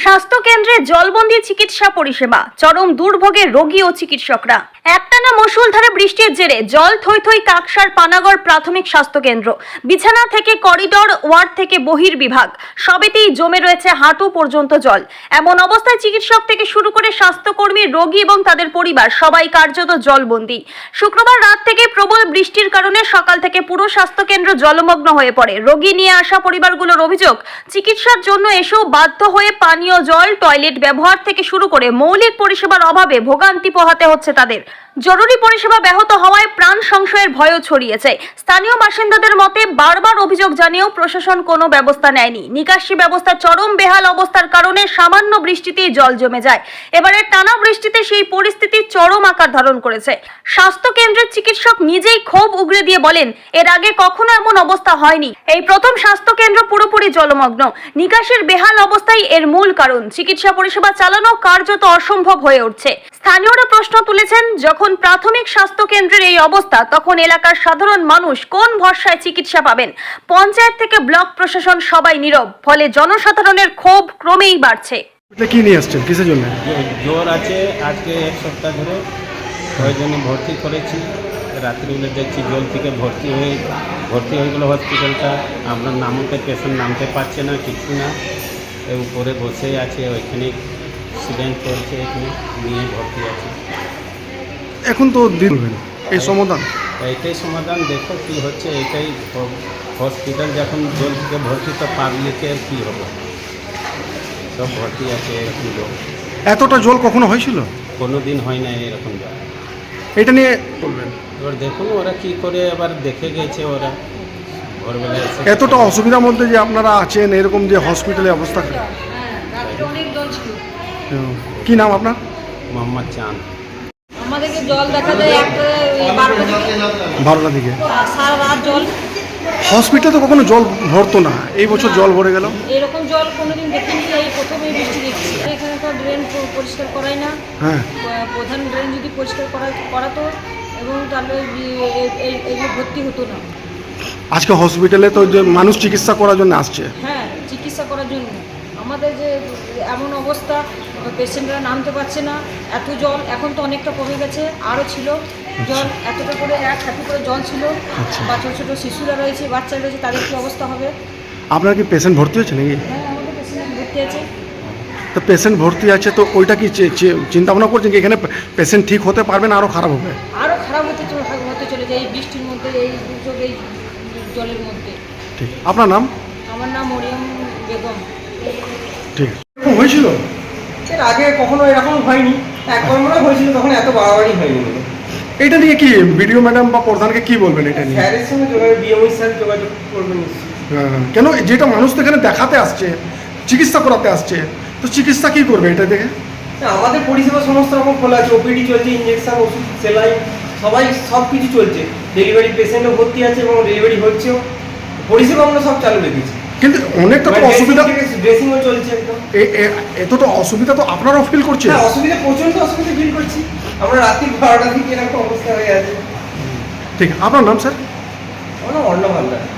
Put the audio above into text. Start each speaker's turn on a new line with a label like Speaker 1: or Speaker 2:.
Speaker 1: স্বাস্থ্য কেন্দ্রে জলবন্দী চিকিৎসা পরিষেবা, চরম দুর্ভোগে রোগী ও চিকিৎসকরা। একটানা মুষলধারে বৃষ্টির জেরে জল থই থই কাকসার পানাগড় প্রাথমিক স্বাস্থ্য কেন্দ্র। বিছানা থেকে করিডোর, ওয়ার্ড থেকে বহির্বিভাগ সবেতেই জমে রয়েছে হাঁটু পর্যন্ত জল। এমন অবস্থায় চিকিৎসক থেকে শুরু করে স্বাস্থ্যকর্মী, রোগী এবং তাদের পরিবার সবাই কার্যত জলবন্দী। শুক্রবার রাত থেকে প্রবল বৃষ্টির কারণে সকাল থেকে পুরো স্বাস্থ্য কেন্দ্র জলমগ্ন হয়ে পড়ে। রোগী নিয়ে আসা পরিবারগুলোর অভিযোগ, চিকিৎসার জন্য এসেও বাধ্য হয়ে পানীয় জল, টয়লেট ব্যবহার থেকে শুরু করে মৌলিক পরিষেবার অভাবে ভোগান্তি পোহাতে হচ্ছে তাদের। জরুরি পরিষেবা ব্যাহত হওয়ায় প্রাণ সংশয়ের ভয়ও ছড়িয়েছে। স্থানীয় বাসিন্দাদের মতে, বারবার অভিযোগ জানিয়েও প্রশাসন কোনো ব্যবস্থা নেয়নি। নিকাশি ব্যবস্থা চরম বেহাল অবস্থার কারণে সামান্য বৃষ্টিতেই জল জমে যায়। এবারে টানা বৃষ্টিতে সেই পরিস্থিতি চরম আকার ধারণ করেছে। স্বাস্থ্য কেন্দ্রের চিকিৎসক নিজেই ক্ষোভ উগরে দিয়ে বলেন, এর আগে কখনো এমন অবস্থা হয়নি। এই প্রথম স্বাস্থ্য কেন্দ্র পুরোপুরি জলমগ্ন। নিকাশির বেহাল অবস্থাই এর মূল কারণ। চিকিৎসা পরিষেবা চালানো কার্যত অসম্ভব হয়ে উঠছে। স্থানীয়রা প্রশ্ন তুলেছেন, যখন প্রাথমিক স্বাস্থ্য কেন্দ্রের এই অবস্থা, তখন এলাকার সাধারণ মানুষ কোন ভরসায় চিকিৎসা পাবেন? পঞ্চায়েত থেকে ব্লক প্রশাসন সবাই নীরব। ফলে জনসাধারণের ক্ষোভ ক্রমেই বাড়ছে।
Speaker 2: কি নিয়ে আসছেন, কিসের জন্য?
Speaker 3: জ্বর আছে আজকে এক সপ্তাহ ধরে, ওই জন্য ভর্তি করেছি। রাত্রিবেলা দেখছি জল থেকে ভর্তি হয়ে গেলো হসপিটালটা। আমরা নামতে পেশেন্ট নামতে পারছে না, কিছু না, এর উপরে বসেই আছে। ওইখানে অ্যাক্সিডেন্ট করছে, এখানে নিয়ে ভর্তি আছে।
Speaker 2: এখন তো দিবেন এই সমাধান,
Speaker 3: এইটাই সমাধান। দেখো কি হচ্ছে, এটাই হসপিটাল যখন জল থেকে ভর্তি, তো পাবলিকের কী হবে? সব ভর্তি আছে এরকম জল।
Speaker 2: এতটা জল কখনো হয়েছিল?
Speaker 3: কোনো দিন হয় না এরকম জল।
Speaker 2: এটা নিয়ে বলবেন।
Speaker 3: এবার দেখুন ওরা কি করে, এবার দেখে গেছে ওরা ভোরবেলা এসে।
Speaker 2: এতটা অসুবিধার মধ্যে যে আপনারা আছেন, এরকম যে হসপিটালে অবস্থা। কি নাম আপনার?
Speaker 3: মোহাম্মদ চাঁদ।
Speaker 4: আমাদেরকে জল দেখা যায় একটা
Speaker 2: 12টা থেকে
Speaker 4: সারা রাত জল।
Speaker 2: হসপিটালে তো কখনো জল ভরতো না, এই বছর জল ভরে গেল।
Speaker 4: এরকম জল কোনোদিন দেখিনি, এই প্রথমে বৃষ্টি দেখছি। এখানে তো ড্রেন পরিষ্কার করাই না।
Speaker 2: হ্যাঁ,
Speaker 4: প্রধান ড্রেন যদি পরিষ্কার করাতো এবং তাহলে এগুলো ভর্তি হতো না।
Speaker 2: আজকে হসপিটালে তো যে মানুষ চিকিৎসা করার জন্য আসছে।
Speaker 4: হ্যাঁ, চিকিৎসা করার জন্য। আমাদের যে এমন অবস্থা, পেশেন্টরা নামতে পারছে না, এত জল। এখন তো অনেকটা কমে গেছে, আরও ছিল জল। এতটা করে এক হাঁটু করে জল ছিল। বা ছোটো ছোটো শিশুরা রয়েছে, বাচ্চারা রয়েছে, তাদের কী অবস্থা হবে?
Speaker 2: আপনার কি পেশেন্ট ভর্তি হয়েছে নাকি?
Speaker 4: হ্যাঁ, আমাদের পেশেন্ট ভর্তি আছে।
Speaker 2: তো পেশেন্ট ভর্তি আছে, তো ওইটা কি চিন্তা ভাবনা করছেন কি এখানে পেশেন্ট ঠিক হতে পারবে না, আরও খারাপ হবে?
Speaker 4: আরও খারাপ হতে চলে যায় এই বৃষ্টির মধ্যে, এই দুর্যোগ, এই জলের মধ্যে।
Speaker 2: ঠিক, আপনার নাম?
Speaker 4: আমার নাম মরিয়ম বেগম।
Speaker 2: ঠিক হয়েছিল
Speaker 5: এর আগে কখনো এরকম হয়নি, একবার মনে হয়েছিল, তখন এত বাড়াবাড়ি হয়নি।
Speaker 2: এটা নিয়ে কি বিডিও ম্যাডাম বা প্রধানকে কি বলবেন এটা নিয়ে?
Speaker 5: স্যারের সঙ্গে যোগাযোগ, বিএমই স্যার যোগাযোগ করবেন নিশ্চয়ই।
Speaker 2: কেন যেটা মানুষ তো এখানে দেখাতে আসছে, চিকিৎসা করাতে আসছে, তো চিকিৎসা কি করবে এটা দেখে?
Speaker 5: আমাদের পরিষেবা সমস্ত রকম খোলা আছে, ওপিডি চলছে, ইঞ্জেকশন, ওষুধ, সেলাই, সব কিছু চলছে। ডেলিভারি পেশেন্টও ভর্তি আছে এবং ডেলিভারি হচ্ছেও। পরিষেবা আমরা সব চালু রেখেছি।
Speaker 2: কিন্তু অনেকটা তো অসুবিধা,
Speaker 5: ড্রেসিংও চলছে একদম।
Speaker 2: এতটা অসুবিধা তো আপনারাও ফিল করছেন?
Speaker 5: হ্যাঁ, অসুবিধা, প্রচণ্ড অসুবিধা ফিল করছি আমরা। রাত্রি 12টা থেকে এরকম অবস্থা হয়ে আছে।
Speaker 2: ঠিক, আপনার নাম স্যার?
Speaker 5: আমার নাম অর্ণব হালদার।